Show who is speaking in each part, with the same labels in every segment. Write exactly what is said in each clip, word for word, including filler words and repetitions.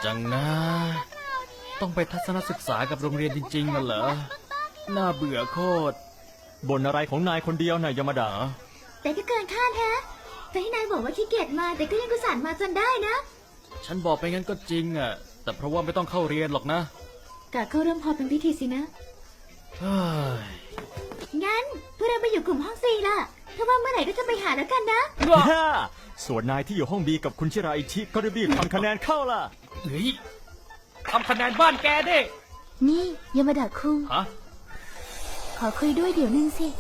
Speaker 1: จังนะต้องไปทัศนศึกษากับโรงเรียนจริงๆน่ะเหรอน่าเบื่อโคตร
Speaker 2: บ่นอะไรของนายคนเดียวนายยามาดา
Speaker 3: แต่ก็เกินคาดแฮะแต่ที่นายบอกว่าขี้เกียจมาแต่ก็ยังกุศลมาจนได้นะ
Speaker 1: ฉันบอกไปงั้นก็จริงอ่ะแต่เพราะว่าไม่ต้องเข้าเรียนหรอกนะ
Speaker 3: กะเข้าเริ่มพอเป็นพิธีสินะงั้นพวกเราไปอยู่กลุ่มห้องสี่ล่ะถ้าว่าเมื่อไหร่ก็จะไปหาแล้วกันนะ
Speaker 2: ส่วนนายที่อยู่ห้องบีกับคุณชิราอิชิก็รีบทำคะแนนเข้าล่ะ
Speaker 1: เฮ้ยทำคะแนนบ้านแกดิ
Speaker 3: นี่ยามาดะคุง
Speaker 1: ฮะ
Speaker 3: ขอคุยด้วยเดี๋ยวนึงสิ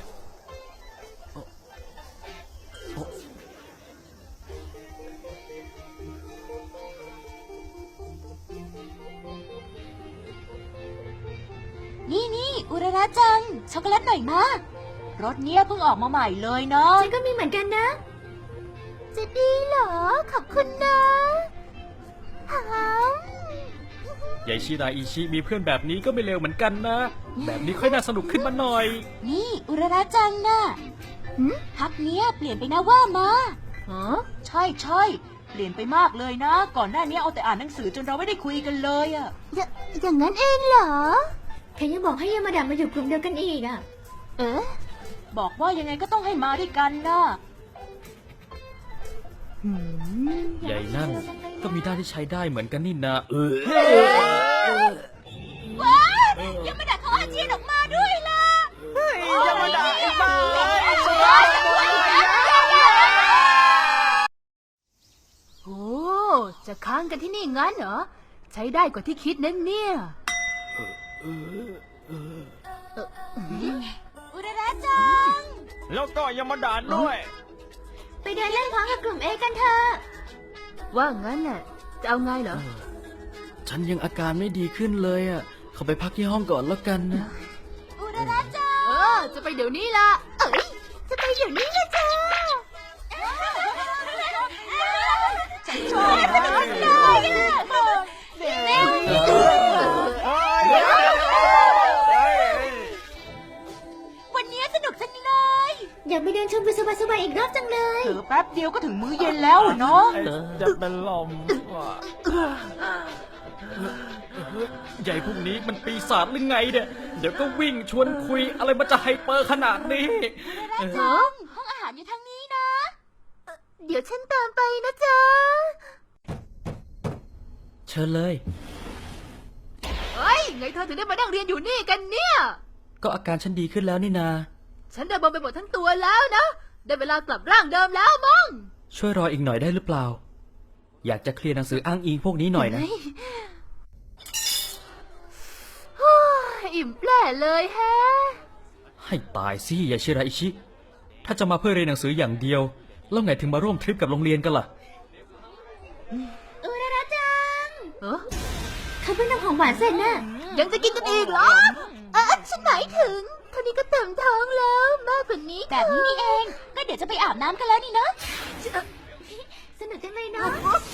Speaker 4: นี่นี่อุระระจังช็อกโกแลตหน่อยมารสเนี้ยเพิ่งออกมาใหม่เลยเนาะ
Speaker 3: ฉันก็มีเหมือนกันนะจะดีเหรอขอบคุณนะห
Speaker 1: ายายชิราอิชิมีเพื่อนแบบนี้ก็ไม่เลวเหมือนกันนะแบบนี้ค่อยน่าสนุกขึ้นมาหน่อย
Speaker 4: นี่อุระระจังนะพักเนี้ยเปลี่ยนไปนะว่ามา
Speaker 3: ฮะ
Speaker 4: ใช่ใช่เปลี่ยนไปมากเลยนะก่อนหน้านี้เอาแต่อ่านหนังสือจนเราไม่ได้คุยกันเลยอะ
Speaker 3: อย่าอย่างนั้นเองเหรอแค่ยังบอกให้ยามาดะมาอยู่กลุ่มเดียวกันอีกอะเออ
Speaker 4: บอกว่ายังไงก็ต้องให้มาด้วยกันนะ
Speaker 1: ใหญ่นั่นก็มีด้านที่ใช้ได้เหมือนกันนี่นะเออ
Speaker 4: ว้ายามาดะเขาอาเจียนออกมาด้วยล่ะ
Speaker 2: ยามาดะไอ้บ้า
Speaker 3: โอ้จะค้างกันที่นี่งั้นเหรอใช้ได้กว่าที่คิดนั่นเนี่ย
Speaker 4: อุระระจัง
Speaker 2: แล้วก็ยามาดะด้วย
Speaker 3: ไปเดินเล่นพร้อมกับกลุ่มเอกันเถอะว่างั้นน่ะจะเอาไงเหรอ
Speaker 1: ฉันยังอาการไม่ดีขึ้นเลยอ่ะเขาไปพักที่ห้องก่อนแล้วกันนะ
Speaker 4: อุระระจัง
Speaker 3: เออจะไปเดี๋ยวนี้ละเอ้ยจะไปเดี๋ยวนี้ละจ้า
Speaker 4: ฉันชอบมากเลยวันนี้สนุกจังเลย
Speaker 3: อยากไปเดินชมวิวสบายๆอีกรอบจังเลย
Speaker 4: เออแป๊บเดียวก็ถึงมื้อเย็นแล้วเนาะ
Speaker 2: จะเป็นลม
Speaker 1: ใหญ่พวกนี้มันปีศาจหรือไงเนี่ยเดี๋ยวก็วิ่งชวนคุยอะไรมันจะไฮเปอร์ขนาดนี้
Speaker 4: ห้องห้องอาหารอยู่ทางนี้นะ
Speaker 3: เดี๋ยวฉันตามไปนะจ๊ะ
Speaker 1: เชิญเลย
Speaker 3: เฮ้ยไงเธอถึงได้มานั่งเรียนอยู่นี่กันเนี่ย
Speaker 1: ก็อาการฉันดีขึ้นแล้วนี่นา
Speaker 3: ฉันได้บอมไปหมดทั้งตัวแล้วนะได้เวลากลับร่างเดิมแล้วมั้ง
Speaker 1: ช่วยรออีกหน่อยได้หรือเปล่าอยากจะเคลียร์หนังสืออ้างอิงพวกนี้หน่อยนะ
Speaker 3: อิ่มแปร่เลยแฮะ
Speaker 1: ให้ตายสิยาชิราอิชิถ้าจะมาเพื่อเรียนหนังสืออย่างเดียวแล้วไงถึงมาร่วมทริปกับโรงเรียนกันล่ะ
Speaker 3: อุระระจังเออเขาเพิ่งทำของหวานเสร็จน่ะยังจะกินกันอีกเหรอเออฉันหมายถึงเท่านี้ก็เต็มท้องแล้วมากกว่านี้
Speaker 4: แบบนี้นี่เองก็เดี๋ยวจะไปอาบน้ำกันแล้วนี่เนาะ
Speaker 3: สนุกจังเลยเนาะ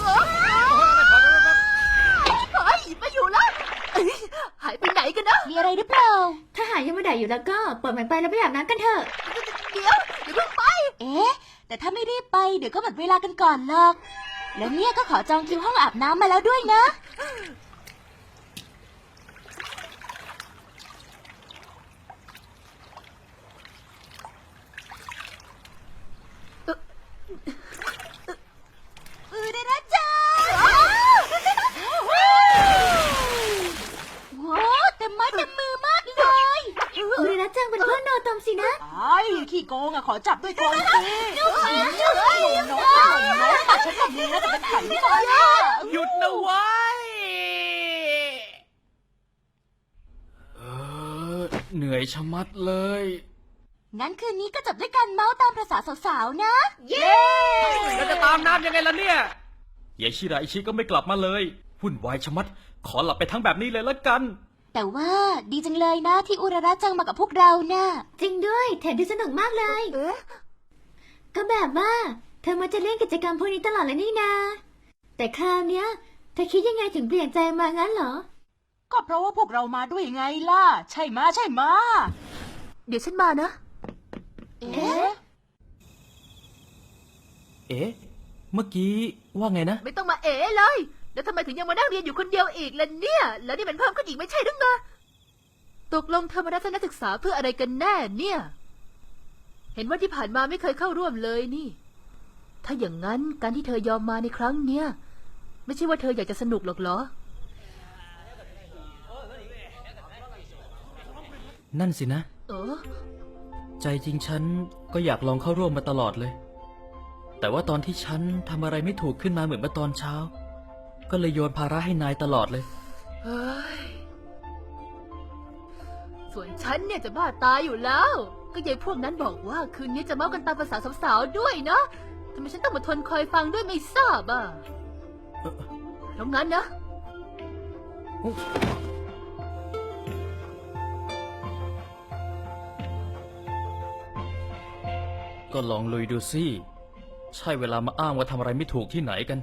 Speaker 3: เฮ้ยมาอยู่แล้วหายไปไหนกันนะ
Speaker 4: มีอะไรหรือเปล่า
Speaker 3: ถ้าหายยังไม่ได้อยู่แล้วก็ปล่อยมันไปแล้วไปอาบน้ำกันเถอะเดี๋ยวเดี๋ยวเพิ่งไป
Speaker 4: เอ๊ะแต่ถ้าไม่รีบไปเดี๋ยวก็หมดเวลากันก่อนหรอกแล้วเนี่ยก็ขอจองคิวห้องอาบน้ำมาแล้วด้วยนะอุระระจังว้าวเต็มไม้เต็มมือมากเลย
Speaker 3: อุระระจังเป็นเพื่อนโนตมสินะ
Speaker 4: ไอ้ขี้โกงอะขอจับด้วยตัวสิน้องน้องน้องตัดฉันแบบนี้แล้วจะเป็นไข่ไม่ได้
Speaker 1: หยุดนะไว้เออเหนื่อยชะมัดเลย
Speaker 4: งั้นคืนนี้ก็จบด้วยการเมาส์ตามภาษาสาวๆนะ
Speaker 1: เย้เราจะตามน้ำยังไงล่ะเนี่ยยายชิราอิชิก็ไม่กลับมาเลยวุ่นวายชะมัดขอหลับไปทั้งแบบนี้เลยละกัน
Speaker 4: แต่ว่าดีจังเลยนะที่อุระระจังมากับพวกเรานะ
Speaker 3: จริงด้วยแถมดูสนุกมากเลยเออก็แบบว่าเธอมาจะเล่นกิจกรรมพวกนี้ตลอดเลยนี่นาแต่คราวเนี้ยเธอคิดยังไงถึงเปลี่ยนใจมางั้นเหรอ
Speaker 4: ก็เพราะว่าพวกเรามาด้วยไงล่ะใช่มาใช่มา
Speaker 3: เดี๋ยวฉันมานะ
Speaker 4: เอ๊ะ
Speaker 1: เอ๊ะเมื่อกี้ว่าไงนะ
Speaker 3: ไม่ต้องมาเอ๋เลยแล้วทำไมถึงยังมานั่งเรียนอยู่คนเดียวอีกล่ะเนี่ย แล้วนี่มันเพิ่มขึ้นอีกไม่ใช่หรือไงตกลงเธอมาทัศนศึกษาเพื่ออะไรกันแน่เนี่ย เห็นว่าที่ผ่านมาไม่เคยเข้าร่วมเลยนี่ ถ้าอย่างนั้นการที่เธอยอมมาในครั้งเนี้ยไม่ใช่ว่าเธออยากจะสนุกหรอกเหรอ
Speaker 1: นั่นสินะ
Speaker 3: เออ
Speaker 1: ใจจริงฉันก็อยากลองเข้าร่วมมาตลอดเลย แต่ว่าตอนที่ฉันทำอะไรไม่ถูกขึ้นมาเหมือนเมื่อตอนเช้า ก็เลยโยนภาระให้นายตลอดเลย
Speaker 3: เฮ้ย ส่วนฉันเนี่ยจะบ้าตายอยู่แล้ว ก็ยายพวกนั้นบอกว่าคืนนี้จะเมากันตามภาษาสาวๆด้วยนะทำไมฉันต้องมาทนคอยฟังด้วยไม่ทราบอ่ะเพราะงั้นนะ
Speaker 1: ก็ลองลุยดูสิ ใช่เวลามาอ้างว่าทำอะไรไม่ถูกที่ไหนกัน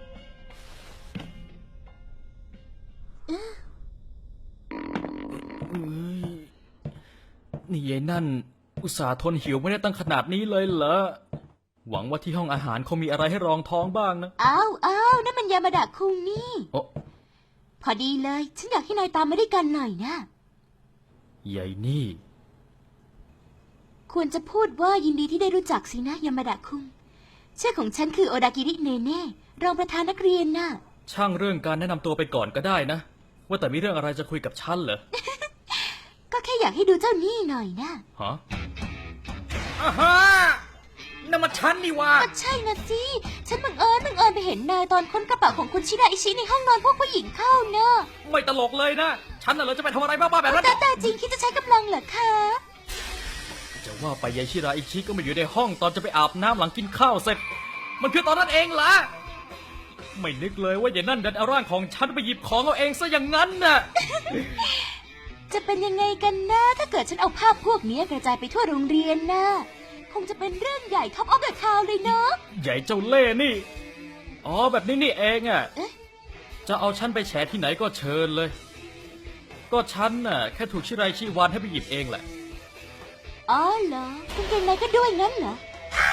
Speaker 1: นี่ยายนั่น อุตส่าห์ทนหิวไม่ได้ตั้งขนาดนี้เลยเหรอ หวังว่าที่ห้องอาหารคงมีอะไรให้รองท้องบ้างนะ
Speaker 5: อ้าวอ้าวนั่นมันยามาดะคุงนี่
Speaker 1: โอ้
Speaker 5: พอดีเลย ฉันอยากให้นายตามมาด้วยกันหน่อยนะ
Speaker 1: ยายนี่
Speaker 5: ควรจะพูดว่ายินดีที่ได้รู้จักสินะยามาดะคุงชื่อของฉันคือโอดากิริเนเน่รองประธานนักเรียนน่ะ
Speaker 1: ช่างเรื่องการแนะนำตัวไปก่อนก็ได้นะ ว่าแต่มีเรื่องอะไรจะคุยกับฉันเหรอ
Speaker 5: ก็แค่อยากให้ดูเจ้านี่หน่อยนะ
Speaker 1: ฮะอ่าฮะนั่นมันฉันนี่ว่า
Speaker 5: ก็ใช่นะสิฉันบังเอิญบังเอิญไปเห็นนายตอนค้นกระเป๋าของคุณชิราอิชิในห้องนอนพวกผู้หญิงเข้าเนอะ
Speaker 1: ไม่ตลกเลยนะ ฉันน่ะเหรอจะไปทำอะไรบ้าๆแบบนั้น
Speaker 5: แต่แต่จริงคิดจะใช้กำลังเหรอคะ
Speaker 1: จะว่าไปยายชิราอิชิก็มาอยู่ในห้องตอนจะไปอาบน้ำหลังกินข้าวเสร็จ มันคือตอนนั้นเองเหรอ ไม่นึกเลยว่ายายนั่นดันเอาร่างของฉันไปหยิบของเอาเองซะอย่างนั้นน่ะ
Speaker 5: จะเป็นยังไงกันนะถ้าเกิดฉันเอาภาพพวกนี้กระจายไปทั่วโรงเรียนนะคงจะเป็นเรื่องใหญ่ท็อปออฟเดอะทาวเลยเนาะ
Speaker 1: ใหญ่เจ้าเล่ห์นี่ อ๋อแบบนี้นี่เองอ่ะ
Speaker 5: เอ๊ะ
Speaker 1: จะเอาฉันไปแฉที่ไหนก็เชิญเลย ก็ฉันน่ะแค่ถูกชิราอิชิวานให้ไปหยิบเองแหละ
Speaker 5: อ๋อเหรอคุณเก่งนายก็ด้วยงั้นเหรอ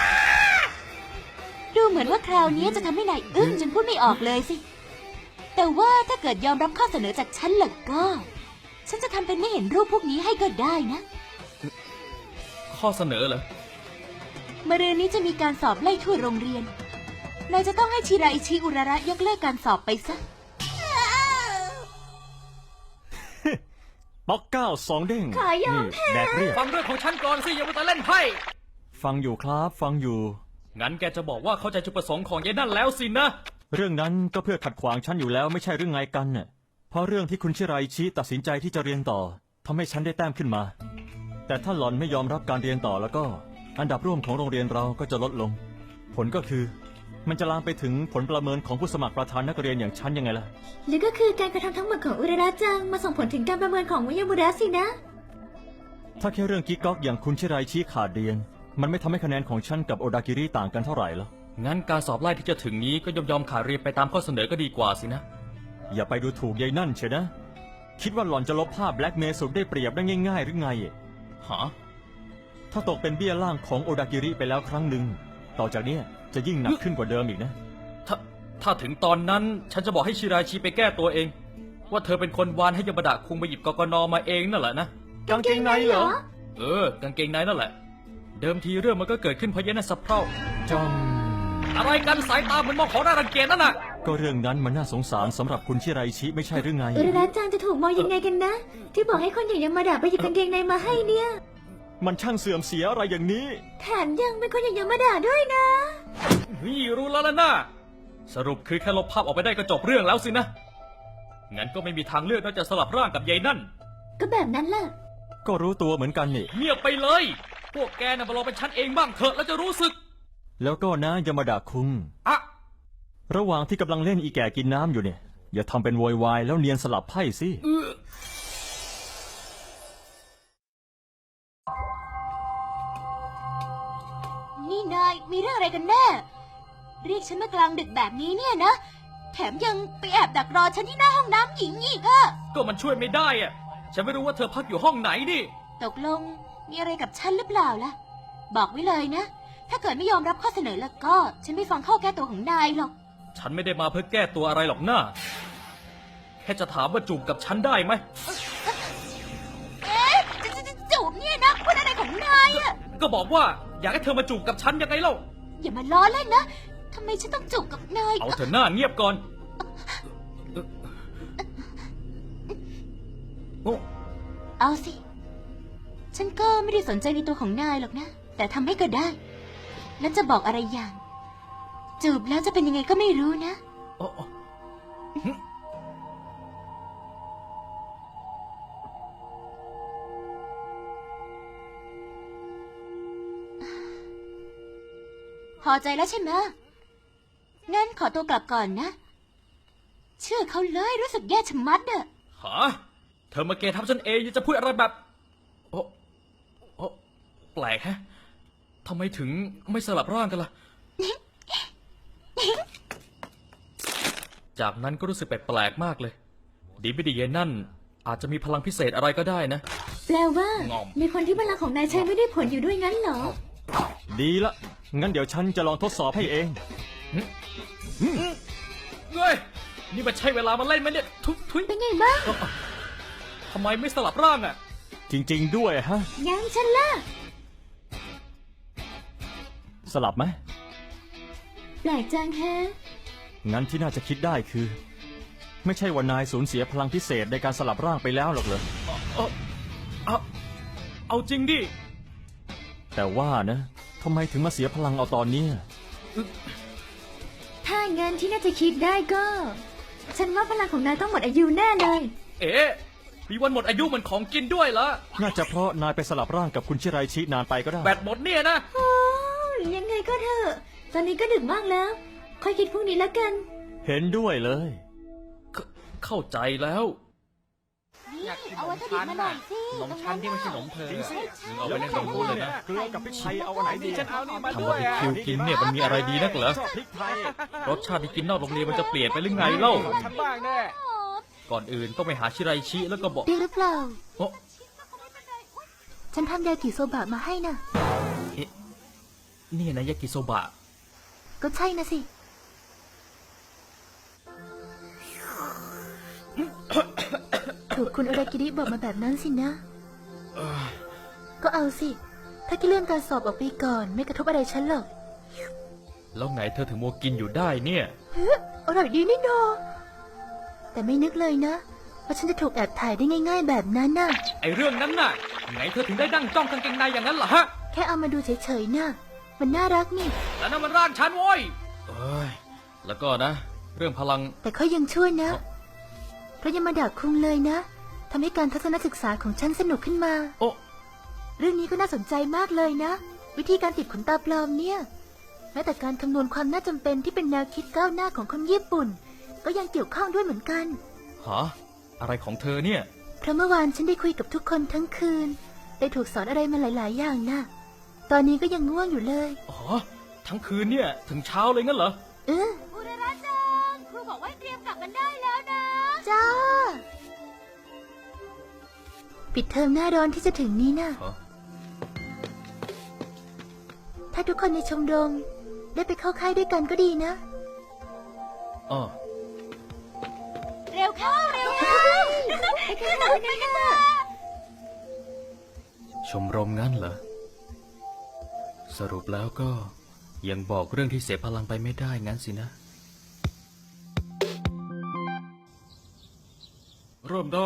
Speaker 5: ดูเหมือนว่าคราวนี้จะทำให้นายอึ้งจนพูดไม่ออกเลยสิ แต่ว่าถ้าเกิดยอมรับข้อเสนอจากฉันล่ะก็ ฉันจะทำเป็นไม่เห็นรูปพวกนี้ให้ก็ได้นะ
Speaker 1: ข้อเสนอเหรอ
Speaker 5: มะรืนนี้จะมีการสอบไล่ทั่วโรงเรียน นายจะต้องให้ชิราอิชิอุระระยกเลิกการสอบไปซะ
Speaker 2: ป๊อกเก้าสองเด้ง
Speaker 3: ขายอม
Speaker 2: นี่แดกเรียก
Speaker 1: ฟังเรื่องของฉันก่อนสิอย่ามาแต่เล่นไพ่
Speaker 2: ฟังอยู่ครับฟังอยู่
Speaker 1: งั้นแกจะบอกว่าเข้าใจจุดประสงค์ของยายนั่นแล้วสินะ
Speaker 2: เรื่องนั้นก็เพื่อขัดขวางฉันอยู่แล้วไม่ใช่เรื่องไงกันน่ะเพราะเรื่องที่คุณชิราอิชิตัดสินใจที่จะเรียนต่อทำให้ฉันได้แต้มขึ้นมา แต่ถ้าหล่อนไม่ยอมรับการเรียนต่อแล้วก็ อันดับร่วมของโรงเรียนเราก็จะลดลง ผลก็คือ มันจะลามไปถึงผลประเมินของผู้สมัครประธานนักเรียนอย่างฉันยังไงล่ะ
Speaker 3: หรือก็คือการกระทำทั้งหมดของอุระระจังมาส่งผลถึงการประเมินของวิยามุระสินะ
Speaker 2: ถ้าแค่เรื่องกิ๊กก๊อกอย่างคุณชิราอิชิขาดเรียน มันไม่ทำให้คะแนนของฉันกับโอดากิริต่างกันเท่าไหร่หรอก
Speaker 1: งั้นการสอบไล่ที่จะถึงนี้ก็ยอมยอมขาดเรียนไปตามข้อเสนอก็ดีกว่าสินะ
Speaker 2: อย่าไปดูถูกยายนั่นเชียวนะ คิดว่าหล่อนจะลบภาพแบล็กเมย์สุดได้เปรียบได้ง่ายๆหรือไง
Speaker 1: ฮะ
Speaker 2: ถ้าตกเป็นเบี้ยล่างของโอดากิริไปแล้วครั้งหนึ่งต่อจากเนี้ยจะยิ่งหนักขึ้นกว่าเดิมอีกนะ
Speaker 1: ถ้าถ้าถึงตอนนั้นฉันจะบอกให้ชิราอิชิไปแก้ตัวเอง ว่าเธอเป็นคนวานให้ยามาดะคุงไปหยิบกกนมาเองนั่นแหละนะ
Speaker 2: กางเกงในเหรอ
Speaker 1: เออกางเกงในนั่นแหละ เดิมทีเรื่องมันก็เกิดขึ้นเพราะยายนั่นสะเพร่า
Speaker 2: จอม
Speaker 1: อะไรกันสายตาเหมือนมองของน่ารังเกียจนั่นน่ะ
Speaker 2: ก็เรื่องนั้นมันน่าสงสารสำหรับคุณชิราอิชิไม่ใช่หรือไง
Speaker 3: อุระระจังจะถูกมองยังไงกันนะ ที่บอกให้คนอย่างยามาดะไปหยิบกางเกงในมาให้เนี่ย
Speaker 2: มันช่างเสื่อมเสียอะไรอย่างนี้
Speaker 3: แถมยังเป็นคนอย่างยามาดะด้วยนะ
Speaker 1: นี่รู้แล้วล่ะนะสรุปคือแค่ลบภาพออกไปได้ก็จบเรื่องแล้วสินะ งั้นก็ไม่มีทางเลือกนอกจากสลับร่างกับยายนั่น
Speaker 3: ก็แบบนั้นแหละ
Speaker 2: ก็รู้ตัวเหมือนกันนี่
Speaker 1: เงียบไปเลย พวกแกน่ะมาลองเป็นฉันเองบ้างเถอะแล้วจะรู้สึก
Speaker 2: แล้วก็นะยามาดะคุง
Speaker 1: อะ
Speaker 2: ระหว่างที่กำลังเล่นอีแก่กินน้ำอยู่เนี่ย อย่าทำเป็นโวยวายแล้วเนียนสลับไพ่สิ
Speaker 1: เออ
Speaker 5: นี่นายมีเรื่องอะไรกันแน่ เรียกฉันมากลางดึกแบบนี้เนี่ยนะ แถมยังไปแอบดักรอฉันที่หน้าห้องน้ำหญิงอีกอะ
Speaker 1: ก็มันช่วยไม่ได้อะฉันไม่รู้ว่าเธอพักอยู่ห้องไหนนี่
Speaker 5: ตกลงมีอะไรกับฉันหรือเปล่าล่ะ บอกไว้เลยนะ ถ้าเกิดไม่ยอมรับข้อเสนอแล้วก็ ฉันไม่ฟังข้อแก้ตัวของนายหรอก
Speaker 1: ฉันไม่ได้มาเพื่อแก้ตัวอะไรหรอกนะแค่จะถามว่าจูบกับฉันได้ไหม
Speaker 5: เอ๊ะจะจะจะจูบเนี่ยนะพูดอะไรของนายอะ
Speaker 1: ก็บอกว่าอยากให้เธอมาจูบกับฉันยังไงเล่า
Speaker 5: อย่ามาล้อเล่นนะทำไมฉันต้องจูบกับนาย
Speaker 1: เอาเถอะหน้าเงียบก่อนโอ้
Speaker 5: เอาสิ ฉันก็ไม่ได้สนใจในตัวของนายหรอกนะ แต่ทำให้ก็ได้ แล้วจะบอกอะไรอย่าง จูบแล้วจะเป็นยังไงก็ไม่รู้นะ
Speaker 1: โอ้โอ้หึ
Speaker 5: พอใจแล้วใช่ไหมงั้นขอตัวกลับก่อนนะ เชื่อเขาเลยรู้สึกแย่ชะมัดอะ
Speaker 1: หาเธอมาเกทับฉันเองยังจะพูดอะไรแบบ โอ้โอ้แปลกฮะทำไมถึงไม่สลับร่างกันล่ะ จากนั้นก็รู้สึกแปลกๆมากเลย ดีไม่ดีเย็นนั่น อาจจะมีพลังพิเศษอะไรก็ได้นะ
Speaker 3: แปลว่า
Speaker 1: งอม
Speaker 3: มีคนที่พลังของนายใช้ไม่ได้ผลอยู่ด้วยงั้นเหรอ
Speaker 2: ดีละ งั้นเดี๋ยวฉันจะลองทดสอบให้เอง
Speaker 1: เฮ้ยนี่มันใช่เวลามาเล่นไหมเนี่ย ทุยทุย
Speaker 3: เป็นไงบ้าง
Speaker 1: ทำไมไม่สลับร่างอ่ะ
Speaker 2: จริง ๆ ด้วยฮะ
Speaker 3: ยังฉันล่ะ
Speaker 2: สลับไหม
Speaker 3: แปลกจังแฮะ
Speaker 2: งั้นที่น่าจะคิดได้คือ ไม่ใช่ว่านายสูญเสียพลังพิเศษในการสลับร่างไปแล้วหรอกเหรอ
Speaker 1: เอาเอาเอาจริงดิ
Speaker 2: แต่ว่านะทำไมถึงมาเสียพลังเอาตอนเนี้ย
Speaker 3: ถ้างั้นที่น่าจะคิดได้ก็ ฉันว่าพลังของนายต้องหมดอายุแน่เลย
Speaker 1: เอ๊ะมีวันหมดอายุเหมือนของกินด้วยเหรอ
Speaker 2: น่าจะเพราะนายไปสลับร่างกับคุณชิไรชินานไปก็ได้
Speaker 1: แบตหมดเนี่ยนะ
Speaker 3: โอ้ยยังไงก็เถอะ ตอนนี้ก็ดึกมากแล้ว ค่อยคิดพรุ่งนี้แล้วกัน
Speaker 2: เห็นด้วยเลย
Speaker 1: เขเข้าใจแล้ว
Speaker 5: นี่เอาวัตถุดิบมาหน่อยสิ
Speaker 1: ขนมชั้นที่ไม่ใช่ขนมเธอ
Speaker 2: จริงสิ
Speaker 1: มึงเอาไปในขนมพูดเลยนะ
Speaker 2: เกลือกับพริกไทยเอาอันไหนดีฉันเอานี่มา
Speaker 1: ทำบาร์บีคิวกินเนี่ยมันมีอะไรดีนักเหรอ
Speaker 2: ชอบพริกไทย
Speaker 1: รสชาติที่กินนอกโรงเรียนมันจะเปลี่ยนไปหรือไงเล่า
Speaker 2: ฉันบ้างแน่
Speaker 1: ก่อนอื่นต้องไปหาชิไรชิแล้วก็บอก
Speaker 3: ดีหรือเปล่า
Speaker 1: โอ้
Speaker 3: ฉันทำยากิโซบะมาให้นะ
Speaker 1: เอ๊ะนี่นะยากิโซบะ
Speaker 3: ก็ใช่นะสิ ถูกคุณอารากิริบอกมาแบบนั้นสินะ ก็เอาสิ ถ้าที่เลื่อนการสอบออกไปก่อน ไม่กระทบอะไรฉันหรอก
Speaker 1: แล้วไงเธอถึงมัวกินอยู่ได้เนี่ย
Speaker 3: เฮ้ยอร่อยดีนี่นาแต่ไม่นึกเลยนะว่าฉันจะถูกแอบถ่ายได้ง่าย ๆ แบบนั้นน่ะ
Speaker 1: ไอเรื่องนั้นน่ะ ไงเธอถึงได้นั่งจ้องกางเกงในอย่างนั้นเหรอฮะ
Speaker 3: แค่เอามาดูเฉยๆน่ะ มันน่ารักนี่
Speaker 1: แล้วนั่นมันร่างฉันโว้ยเอ้ย แล้วก็นะ เรื่องพลัง
Speaker 3: แต่เขายังช่วยนะ เพราะยังมาด่าคุงเลยนะทำให้การทัศนศึกษาของฉันสนุกขึ้นมา
Speaker 1: โอ้
Speaker 3: เรื่องนี้ก็น่าสนใจมากเลยนะ วิธีการติดขนตาปลอมเนี่ย แม้แต่การคำนวณความน่าจำเป็นที่เป็นแนวคิดก้าวหน้าของคนญี่ปุ่น ก็ยังเกี่ยวข้องด้วยเหมือนกัน
Speaker 1: ฮะอะไรของเธอเนี่ย
Speaker 3: เพราะเมื่อวานฉันได้คุยกับทุกคนทั้งคืน ได้ถูกสอนอะไรมาหลาย ๆ อย่างนะตอนนี้ก็ยังง่วงอยู่เลย
Speaker 1: อ๋อ ทั้งคืนเนี่ย ถึงเช้าเลยงั้นเหรอ
Speaker 3: เออ
Speaker 5: อุระระจังครูบอกว่าเตรียมกลับกันได้แล้วนะ
Speaker 3: จ้า ปิดเทอมหน้าร้อนที่จะถึงนี้นะ
Speaker 1: ฮะ
Speaker 3: ถ้าทุกคนในชมรมได้ไปเข้าค่ายด้วยกันก็ดีนะ
Speaker 1: อ๋อ
Speaker 5: เร็วเข้าเร็วเข้า
Speaker 3: ไปกันเลยนะคะ
Speaker 1: ชมรมงั้นเหรอ สรุปแล้วก็ยังบอกเรื่องที่เสียพลังไปไม่ได้งั้นสินะ เริ่มได้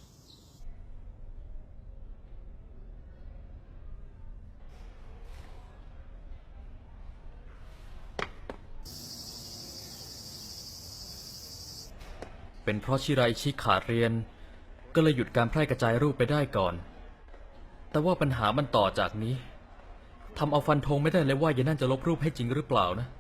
Speaker 1: เป็นเพราะชิไรชิขาดเรียน ก็เลยหยุดการแพร่กระจายรูปไปได้ก่อน แต่ว่าปัญหามันต่อจากนี้ทำเอาฟันธงไม่ได้เลยว่ายายนั่นจะลบรูปให้จริงหรือเปล่านะ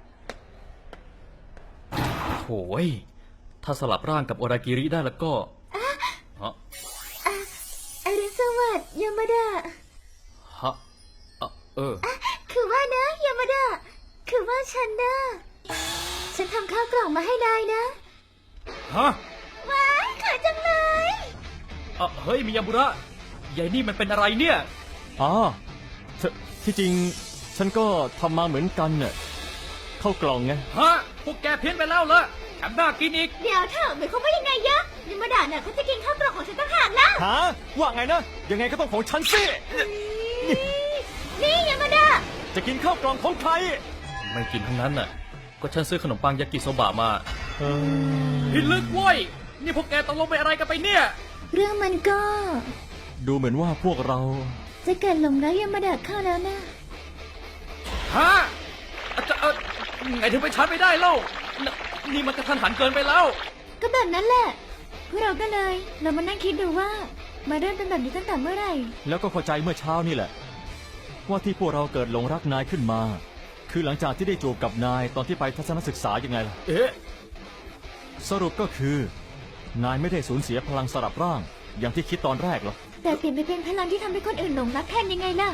Speaker 1: โถ่ยถ้าสลับร่างกับโอรากิริได้แล้วก็ฮะ
Speaker 3: อรุณสวัสดิ์ยามาดา
Speaker 1: ฮะอ่ะเออ
Speaker 3: คือว่านะยามาดา คือว่าฉันนะฉันทำข้าวกล่องมาให้นายนะ
Speaker 1: ฮะ
Speaker 3: ว้ายขายจังเลย
Speaker 1: อ่ะเฮ้ยมิยาบุระยายนี่มันเป็นอะไรเนี่ย
Speaker 2: อ๋อเธอที่จริงฉันก็ทำมาเหมือนกันน่ะข้าวกล่องไง
Speaker 1: ฮะ พวกแกเพี้ยนไปแล้วเหรอแถมน่ากินอีก
Speaker 3: เดี๋ยวเถอะหมายความว่ายังไงยะยามาดาเนี่ยเขาจะกินข้าวกล่องของฉันต่างหากล่ะ
Speaker 2: ฮะว่าไงนะ ยังไงก็ต้องของฉันสิ
Speaker 3: นี่ยามาดา
Speaker 2: จะกินข้าวกล่องของใคร
Speaker 1: ไม่กินทั้งนั้นน่ะ ก็ฉันซื้อขนมปังยากิโซบะมา
Speaker 2: เออ
Speaker 1: พิลึกเว้ย นี่พวกแกตกลงไปอะไรกันไปเนี่ย
Speaker 3: เรื่องมันก็
Speaker 2: ดูเหมือนว่าพวกเรา
Speaker 3: จะเกิดหลงรักยามาดาเข้าแล้วนะ
Speaker 1: ฮะอาจจะเออไงถึงไปชาร์จไม่ได้เล่าน่ะนี่มันกระทันหันเกินไปแล้ว
Speaker 3: ก็แบบนั้นแหละพวกเราก็เลย เรามานั่งคิดดูว่า มาเริ่มเป็นแบบนี้ตั้งแต่เมื่อไหร่
Speaker 2: แล้วก็เข้าใจเมื่อเช้านี่แหละ ว่าที่พวกเราเกิดหลงรักนายขึ้นมา คือหลังจากที่ได้จูบกับนายตอนที่ไปทัศนศึกษายังไงล่ะ
Speaker 1: เอ๊ะ
Speaker 2: สรุปก็คือ นายไม่ได้สูญเสียพลังสลับร่าง อย่างที่คิดตอนแรกหรอก
Speaker 3: แต่เปลี่ยนไปเป็นพลังที่ทำให้คนอื่นหลงรักแทนยังไงล่ะ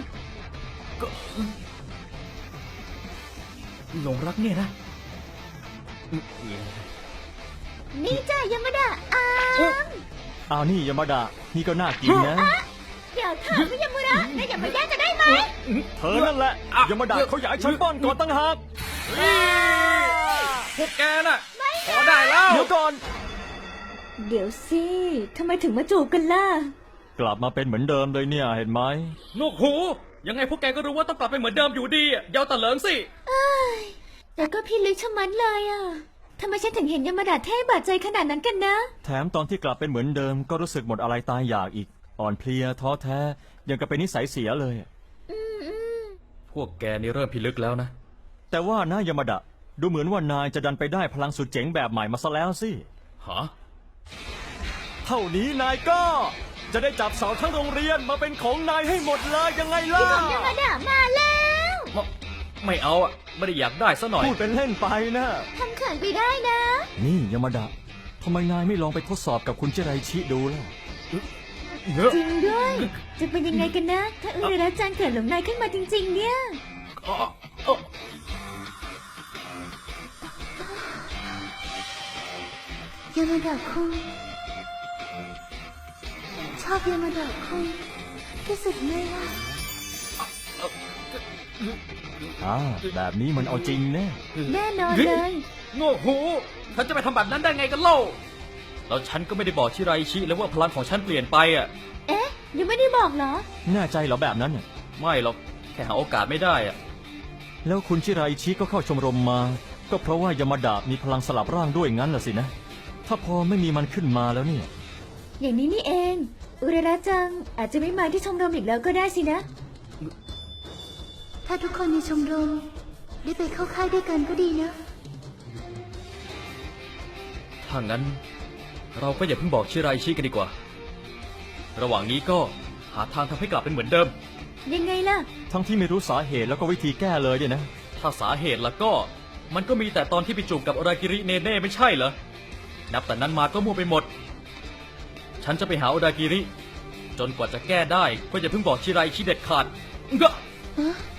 Speaker 1: หลงรักเนี่ยนะ
Speaker 3: นี่จ้ายามาดาอ้าว
Speaker 2: อ้าวนี่ยามาดา นี่ก็น่ากินนะ
Speaker 3: เดี๋ยวเถอะพี่ยามาดานายอย่ามาแย่งจะได้ไหม
Speaker 2: เธอนั่นแหละยามาดาเขาอยากให้ฉันป้อนก่อนตั้งหาก
Speaker 1: พวกแกน่ะพอได้แล้ว
Speaker 2: เดี๋ยวก่อน
Speaker 3: เดี๋ยวสิทำไมถึงมาจูบกันล่ะ
Speaker 2: กลับมาเป็นเหมือนเดิมเลยเนี่ยเห็นไหม
Speaker 1: นกหู ยังไงพวกแกก็รู้ว่าต้องกลับไปเหมือนเดิมอยู่ดีอะอยาวตะเหลิงสิ
Speaker 3: แต่ก็พี่ลึกชะมัดเลยอ่ะทำไมฉันถึงเห็นยามาดาเท่บาดใจขนาดนั้นกันนะ
Speaker 2: แถมตอนที่กลับเป็นเหมือนเดิมก็รู้สึกหมดอะไรตายอยากอีก อ่อนเพลียท้อแท้ยังกับเป็นนิสัยเสียเลย
Speaker 1: พวกแกนี่เริ่มพิลึกแล้วนะ
Speaker 2: แต่ว่านะยามาดะ ดูเหมือนว่านายจะดันไปได้พลังสุดเจ๋งแบบใหม่มาซะแล้วสิ
Speaker 1: ฮะ
Speaker 2: เท่านี้นายก็จะได้จับสาวทั้งโรงเรียนมาเป็นของนายให้หมดเลยยังไงล่ะ
Speaker 3: ยามาดามาแล้ว
Speaker 1: ไม่ไม่เอาอ่ะ ไม่ได้อยากได้ซะหน่อย
Speaker 2: พูดเป็นเล่นไปนะ
Speaker 3: ทำเขินไปได้นะ
Speaker 2: นี่ยามาดะทำไมนายไม่ลองไปทดสอบกับคุณเจไรชิดูล่ะ
Speaker 3: จริงด้วย จะเป็นยังไงกันนะ ถ้าอุเรระจังเกิดหลงนายขึ้นมาจริง ๆ เนี่ย
Speaker 1: อ๋ออ๋อ
Speaker 3: ยามาดาคุงชอบยามาดาคุงที่สุดเลยอ่ะ
Speaker 2: อ่า แบบนี้มันเอาจริงแน่
Speaker 3: แน่นอนเลย
Speaker 1: โง่หูฉันจะไปทำแบบนั้นได้ไงกันเล่า แล้วฉันก็ไม่ได้บอกชิไรชิเลยว่าพลังของฉันเปลี่ยนไปอ่ะ
Speaker 3: เอ๊ะยังไม่ได้บอกเหรอ
Speaker 2: แน่ใจเหรอแบบนั้นน่ะ
Speaker 1: ไม่หรอก แค่หาโอกาสไม่ได้อ่ะ
Speaker 2: แล้วคุณชิไรชิก็เข้าชมรมมา ก็เพราะว่ายามาดะมีพลังสลับร่างด้วยงั้นล่ะสินะ ถ้าพอไม่มีมันขึ้นมาแล้วเนี่ย
Speaker 3: อย่างนี้นี่เอง อุเรระจังอาจจะไม่มาที่ชมรมอีกแล้วก็ได้สินะ ถ้าทุกคนในชมรมได้ไปเข้าค่ายด้วยกันก็ดีนะ
Speaker 1: ถ้างั้น เราก็อย่าเพิ่งบอกชิไรชิกันดีกว่า ระหว่างนี้ก็หาทางทำให้กลับเป็นเหมือนเดิม
Speaker 3: ยังไงล่ะ
Speaker 2: ทั้งที่ไม่รู้สาเหตุแล้วก็วิธีแก้เลยเนี่ยนะ
Speaker 1: ถ้าสาเหตุแล้วก็ มันก็มีแต่ตอนที่ไปจูบกับอรากิริเนเน่ไม่ใช่เหรอ นับแต่นั้นมาก็มั่วไปหมด ฉันจะไปหาอรากิริ จนกว่าจะแก้ได้ก็อย่าเพิ่งบอกชิไรชิเด็ดขาดงะ
Speaker 3: ฮะ